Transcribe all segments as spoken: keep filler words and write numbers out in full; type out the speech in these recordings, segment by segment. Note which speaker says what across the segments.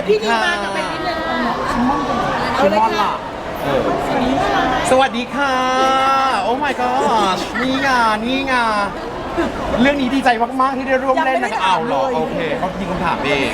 Speaker 1: ดีค่ะ
Speaker 2: มากับเป็นนิดนึง
Speaker 1: ชิมอนล่ะเออสวัสดีค่ะ โอ้ my god นี่ไงนี่ไงเรื่องนี้ดีใจมากๆที่ได้ร่วมเล่นนะคะอ้าวเหรอโอเคเขายิงคำถามเอง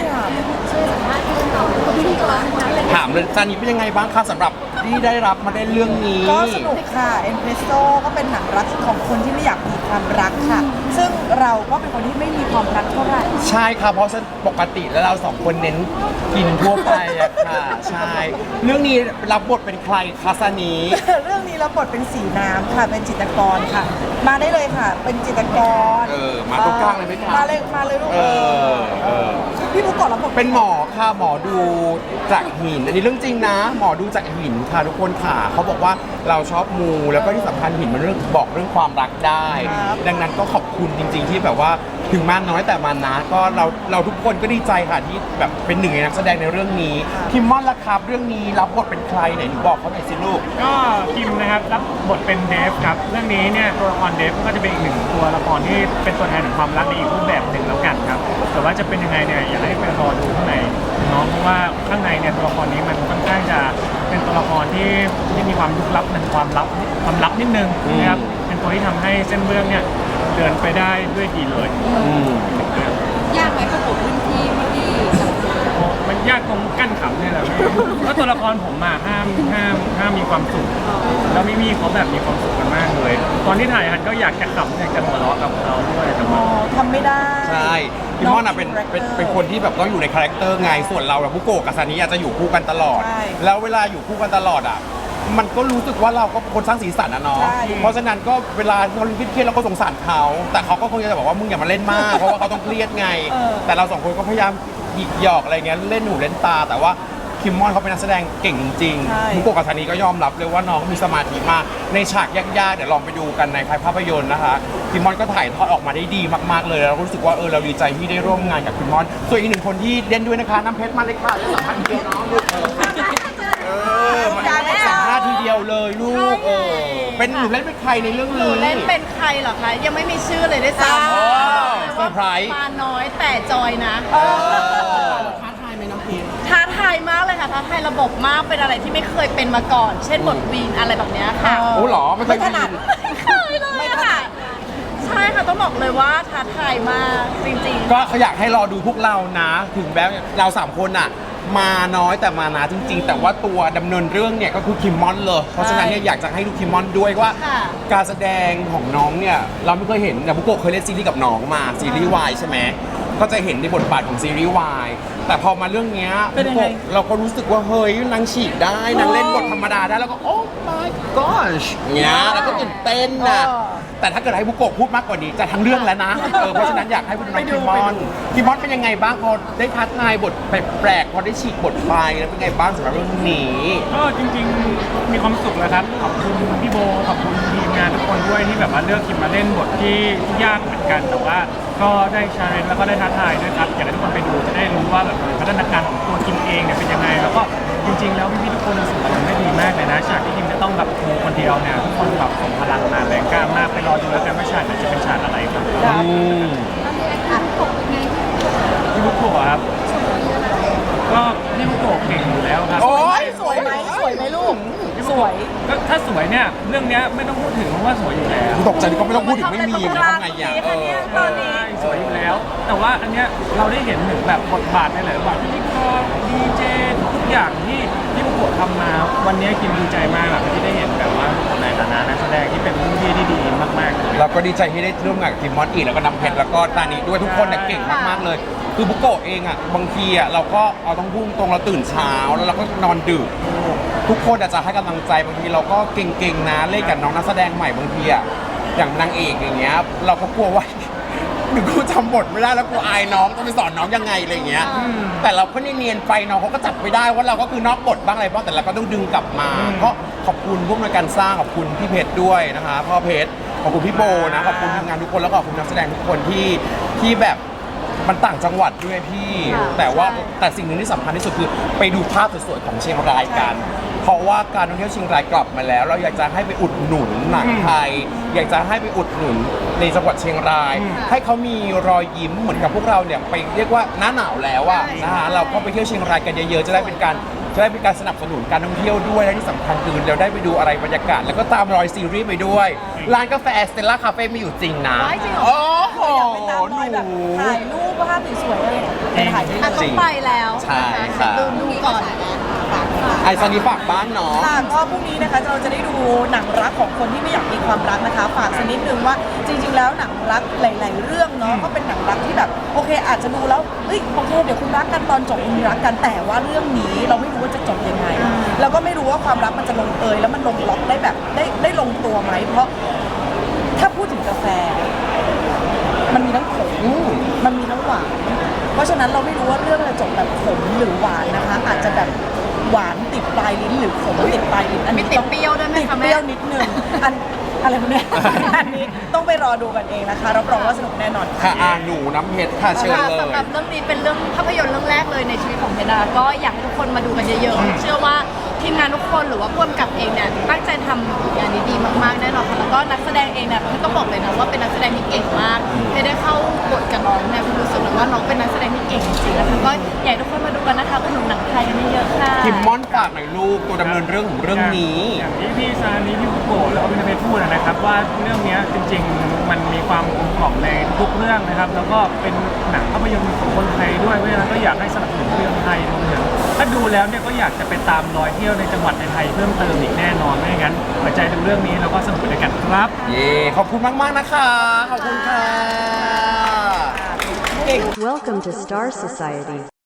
Speaker 1: ถามเลยจานี้เป็นยังไงบ้างคะสำหรับที่ได้รับมาได้เรื่องนี้
Speaker 3: ก็สนุกค่ะเอ็นเพรสโซก็เป็นหนังรักของคนที่ไม่อยากมีความรักค่ะ ซึ่งเราก็เป็นคนที่ไม่มีความรักเท่าไหร่
Speaker 1: ใช่ค่ะเพราะปกติแล้วเราสองคนเน้นกินทั่วไปอะค่ะใช่เรื่องนี้รับบทเป็นใครคะซานี
Speaker 3: เรื่องนี้เราบทเป็นสีน้ำค่ะเป็นจิตรกรค่ะ มาได้เลยค่ะ เป็นจิตรกร
Speaker 1: เออมาตรงกลางเลยไหมคะ
Speaker 3: มาเลยมาเลยลูก
Speaker 1: เออเออ
Speaker 3: พี่บุ๊กก่อนรับบท
Speaker 1: เป็นหมอค่ะหมอดูจากหินอันนี้เรื่องจริงนะ หมอดูจากหินค่ะทุกคนค่ะเขาบอกว่าเราชอบมูแล้วก็ที่สำคัญหินมันเรื่องบอกเรื่องความรักได้ ดังนั้นก็ขอบคุณจริง ๆ ที่แบบว่าถึงมากน้อยแต่มันนะก็เราเราทุกคนก็ดีใจค่ะที่แบบเป็นหนึ่งในนักแสดงในเรื่องนี้คิมมอนล่ะครับเรื่องนี้รับบทเป็นใครไหนหนูบอกเขาหน่อยสิลูก
Speaker 4: ก็คิมนะครับรับบทเป็นเดฟครับเรื่องนี้เนี่ยตัวละครเดฟก็จะเป็นอีกหนึ่งตัวละครที่เป็นตัวแทนของความรักในอีกรูปแบบหนึ่งแล้วกันครับแต่ว่าจะเป็นยังไงเนี่ยอยากให้ไปรอดูข้างในเนาะเพราะว่าข้างในเนี่ยตัวละครนี้มันค่อนข้างจะเป็นตัวละครที่ที่มีความลึกลับเป็นความลับความลับนิดนึงนะครับเป็นตัวที่ทำให้เส้นเรื่องเนี่ยเดินไปได้ด้วยดีเลย
Speaker 2: ยากไหมประกบรุ่นพี่พี่
Speaker 4: โอ้มันยากตรงกั้นขำเนี่ยแหละเพราะตัวละครผมมาห้ามห้ามห้ามมีความสุขแล้วมิมี่เขาแบบมีความสุขกันมากเลย ตอนที่ถ่ายฮันก็อยากจะขำอยากจะหัวเราะกับเขาด้วยแต่
Speaker 3: อ๋
Speaker 4: ว่า
Speaker 3: อทำไม่ได้
Speaker 1: ใช่พี่มอนอ่ะเป็นเป็นเป็นคนที่แบบต้องอยู่ในคาแรคเตอร์ไงส่วนเราแบบบุโกะกับซานิอาจจะอยู่คู่กันตลอด
Speaker 3: ใช่
Speaker 1: แล้วเวลาอยู่คู่กันตลอดอ่ะมันก็รู้สึกว่าเราก็เป็นคนสร้างสีสันนะเนาะ
Speaker 3: ใช่
Speaker 1: เพราะฉะนั้นก็เวลาเขาเครียดๆเราก็สงสารเขาแต่เขาก็คงจะบอกว่ามึงอย่ามาเล่นมาก เพราะว่าเขาต้องเครียดไง แต่เราสองคนก็พยายามหยิกหยอกอะไรเงี้ยเล่นหูเล่นตา แต่ว่าคิมมอนเขาเป็นนักแสดงเก่งจริง
Speaker 3: ใช่
Speaker 1: ๆบุโกะกับซานิก็ยอมรับเลยว่าน้องมีสมาธิมากในฉากยากๆเดี๋ยวลองไปดูกันในภาพยนตร์นะคะคิมมอนก็ถ่ายทอดออกมาได้ดีมากๆเลยแล้วรู้สึกว่าเออเราดีใจที่ได้ร่วมงานกับคิมมอนส่วนอีกหนึ่งคนที่เล่นด้วยนะคะน้ำเพชรมาเลยค่ะและสัมภาษณ์ทีเดียวน้องลูกเออมันสัมภาษณ์ทีเดียวเลยลูกเออเป็นหนูเล่นเป็นใครในเรื่อง
Speaker 2: หนู
Speaker 1: นี้
Speaker 2: เล่นเป็นใครเหรอคะ ยังไม่มีชื่อเลยด้วยซ้
Speaker 1: โอ้
Speaker 2: ำ
Speaker 1: เซอร์ไพรส์
Speaker 2: มาน้อยแต่จอยนะ ท้าทายไหมน้องพีท้าทายมากเลยค่ะ ท้าทายระบบมาก เป็นอะไรที่ไม่เคยเป็นมาก่อน เช่นบทวีนอะไรแบบเนี้ยค่ะ
Speaker 1: โอ้เหรอไม่เค
Speaker 3: ไม่
Speaker 1: ย
Speaker 3: ถนัด
Speaker 2: ไม่เคยเลยอะค่ะ ใช่ค่ะ ต้องบอกเลยว่าท้าทายมากจริงๆ
Speaker 1: ก็เขาอยากให้รอดูพวกเรานะ ถึงแม้เราสามคนอ่ะ มาน้อยแต่มานะจริง ๆ แต่ว่าตัวดำเนินเรื่องเนี่ยก็คือคิมมอนเลย เพราะฉะนั้นเนี่ยอยากจะให้ดูคิมมอนด้วยว่า
Speaker 2: ค่ะ
Speaker 1: การแสดงของน้องเนี่ยเราไม่เคยเห็นแต่บุโกะเคยเล่นซีรีส์กับน้องมาซีรีส์วายใช่ไหมก็จะเห็นในบทบาทของซีรีส์วายแต่พอมาเรื่องเนี้ย
Speaker 3: เป็นยังไง
Speaker 1: บุโกะเราก็รู้สึกว่าเฮ้ยนางฉีกได้นางเล่นบทธรรมดาได้แล้วก็โอ้ my gosh เนี้ยแล้วก็ตื่นเต้นนะ แต่ถ้าเกิดให้บุโกะพูดมากกว่านี้จะทั้งเรื่องแล้วนะ เออเพราะฉะนั้นอยากให้คุณน้องคิมมอนคิมมอนเป็นยังไงบ้างพอได้ท้าทายบทแปลกๆพอได้ฉีกบทไปแล้วเป็นไงบ้างสำหรับเรื่องนี้
Speaker 4: ก็จริงๆมีความสุขเลยครับขอบคุณพี่โบขอบคุณทีมงานทุกคนด้วยที่แบบว่าเลือกคิมมาเล่นบทที่ยากเหมือนกันแต่ว่าก็ได้ชาเลนจ์แล้วก็ได้ท้าทายด้วยครับอยากให้ทุกคนไปดูจะได้รู้ว่าแบบพัฒนาการของตัวคิมเองเนี่ยเป็นยังไงแล้วก็จริงๆแล้วพี่ๆทุกคนสื่อสารได้ดีมากเลยนะฉากที่คิมจะต้องแบบโชว์คนเดียวเนี่ยทุกคนแบบส่งพลังมาแรงกล้ามากไปรอดูแล้วกันว่าฉากนั้นจะเป็นฉากอะไรครับ
Speaker 1: อืม
Speaker 4: พี่บุกโกะครับก็พี่บุกโกะเก่งอยู่แล้วครับ
Speaker 1: โอ้ย
Speaker 3: สวยไหมสวยไหมลูก สวย
Speaker 4: ก็ถ้าสวยเนี่ยเรื่องเนี้ยไม่ต้องพูดถึงเพราะว่าสวยอยู่แล้ว
Speaker 1: ตกใจก็ไม่ต้องพูดถึงไม่มีนะทำไงอย่างเออ
Speaker 2: ตอนนี้
Speaker 4: สวยอยู่แล้ว แต่ว่าอันเนี้ยเราได้เห็นถึงแบบบทบาทในหลายๆบทบาทพิธีกรดีเจทุกอย่างที่ที่บุกโกะทำมาวันนี้กินดีใจมากแบบที่ได้เห็นแบบว่าในฐานะนักแสดงที่เป็นรุ่นพี่ที่ดีมากๆเลย
Speaker 1: เราก็ดีใจที่ได้ร่วมงานกับคิมมอนอีกแล้วก็นำเพชรแล้วก็ตานีด้วยทุกคนเนี่ยเก่งมากๆเลย คือบุโกะเองอ่ะบางทีอ่ะเราก็เอาต้องพุ่งตรงเราตื่นเช้าแล้วเราก็นอนดึกทุกคนอาจจะให้กำลังใจบางทีเราก็เก่งๆนะเล่นกับน้องนักแสดงใหม่บางทีอ่ะอย่างนางเอกอย่างเงี้ยเราก็กลัวว่า หรือกูจำบทไม่ได้แล้วกูอายน้องต้องไปสอนน้องยังไงอะไรอย่างเงี้ยแต่เราก็เนียนๆไปน้องเขาก็จับไม่ได้ว่าเราก็คือนอกบทบ้างอะไรบ้างแต่เราก็ต้องดึงกลับมาเพราะขอบคุณพวกในวยการสร้างขอบคุณพี่เพชรด้วยนะคะพ่อเพชรขอบคุณพี่โบนะขอบคุณทีมงานทุกคนแล้วก็ขอบคุณนักแสดงทุกคนที่ที่แบบมันต่างจังหวัดด้วยพี่
Speaker 2: ค่ะ
Speaker 1: แต่ว่า
Speaker 2: ใช่
Speaker 1: แต่สิ่งหนึ่งที่สำคัญที่สุดคือไปดูภาพสวยๆของเชียงรายกันเพราะว่าการท่องเที่ยวเชียงรายกลับมาแล้ว เราอยากจะให้ไปอุดหนุนหนังไทย อยากจะให้ไปอุดหนุนในจังหวัดเชียงราย ให้เขามีรอยยิ้มเหมือนกับพวกเราเนี่ยไปเรียกว่าหน้าหนาวแล้วอะนะฮะเราก็ไปเที่ยวเชียงรายกันเยอะๆจะได้เป็นการจะได้เป็นการสนับสนุนการท่องเที่ยวด้วยและที่สำคัญคือเราได้ไปดูอะไรบรรยากาศ แล้วก็ตามรอยซีรีส์ไปด้วยร้านกาแฟสเตลล่าคาเฟ่มีอยู่จริงนะ
Speaker 2: ว้ายจริงเหรอ
Speaker 1: โอ้โห
Speaker 3: อยากไปตามรอย
Speaker 1: ห
Speaker 3: แบบ
Speaker 1: นู
Speaker 3: ถ่ายรูปภาพสวยๆอะไรเนี่ยไปถ่ายได้
Speaker 2: อ่ะ
Speaker 3: เล
Speaker 2: ต้อย งไปแล้ว
Speaker 1: ใช่
Speaker 2: นะคะ
Speaker 1: ค่ะ
Speaker 2: ดูดูก่อน
Speaker 1: ไอ้ซานี้ฝากบ้านเนาะ
Speaker 3: ค่ะก็พรุ่งนี้นะคะเราจะได้ดูหนังรักของคนที่ไม่อยากมีความรักนะคะ ฝากสักนิดนึงว่าจริงๆแล้วหนังรักหลาย ๆ เรื่องเนาะก็เป็นหนังรักที่แบบโอเค อาจจะดูแล้วเฮ้ยโอเคเดี๋ยวคุณรักกันตอนจบคุณรักกันแต่ว่าเรื่องนี้เราไม่รู้ว่าจะจบยังไงแล้วก็ไม่รู้ว่าความรักมันจะลงเอยแล้วมันลงล็อกได้แบบได้ได้ลงตัวไหมเพราะถ้าพูดถึงกาแฟ มันมีทั้งขมมันมีทั้งหวาน เพราะฉะนั้นเราไม่รู้ว่าเรื่องจะจบแบบขมหรือหวานนะคะ อาจจะแบบหวานติดปลายลิ้นหรือขมติดปลายลิ้นอัน
Speaker 2: มี
Speaker 3: นี้
Speaker 2: ติด
Speaker 3: ต้อง
Speaker 2: เปรี้ยวด้วยไหม
Speaker 3: ติด
Speaker 2: คะ
Speaker 3: เป
Speaker 2: แม่
Speaker 3: รี้ยวนิดนึงอันอะไรพวกเนี้ย อันนี้ต้องไปรอดูกันเองนะคะรับรองว่าสนุกแน่นอน
Speaker 1: ค่ะอาหนูน้ำเพชรค่ะเชิญ
Speaker 2: ค่ะ
Speaker 1: เลย
Speaker 2: สำหรับเรื่องนี้เป็นเรื่องภาพยนตร์เรื่องแรกเลยในชีวิตของเพดาก็อยากให้ทุกคนมาดูกันเยอะๆ เชื่อว่าทีมงานทุกคนหรือว่าผู้กำกับเองเนี่ยตั้งใจทำงานนี้ดีมากๆแน่นอนค่ะแล้วก็นักแสดงเองเนี่ยพี่ต้องบอกเลยนะว่าเป็นนักแสดงที่เก่งมากไม่ได้เข้าบทกับน้องเนี่ยคุณรู้สึกเลยว่าน้องเป็นนักแสดงที่เก่งจริงๆนะคะก็อยากให้ทุกคนมาดูกันนะคะคุณหนุ่มหนังไทยกันเยอะๆค่ะ
Speaker 1: คิมมอนฝากหน่อยลูกตัวดำเนินเรื่องของเรื่องนี้
Speaker 4: อย่างที่พี่ซานี้พี่บุโกะแล้วก็พี่นเพชรพูดนะครับว่าเรื่องเนี้ยจริงๆ มันมีความกลมกล่อมในทุกเรื่องนะครับ แล้วก็เป็นหนังภาพยนตร์ของคนไทยด้วยเพราะฉะนั้นก็อยากให้สนับสนุนเรื่องไทยรวมถึงถ้าดูแล้วเนี่ยก็อยากจะไปตามรอยเที่ยวในจังหวัดในไทยเพิ่มเติมอีกแน่นอนไม่งั้นหัวใจดูเรื่องนี้แล้วก็สนุกไปด้วยกันครับ
Speaker 1: เย้ขอบคุณมาก ๆ นะคะ ขอบคุณค่ะ
Speaker 3: เก่ง
Speaker 5: Welcome to Star Society.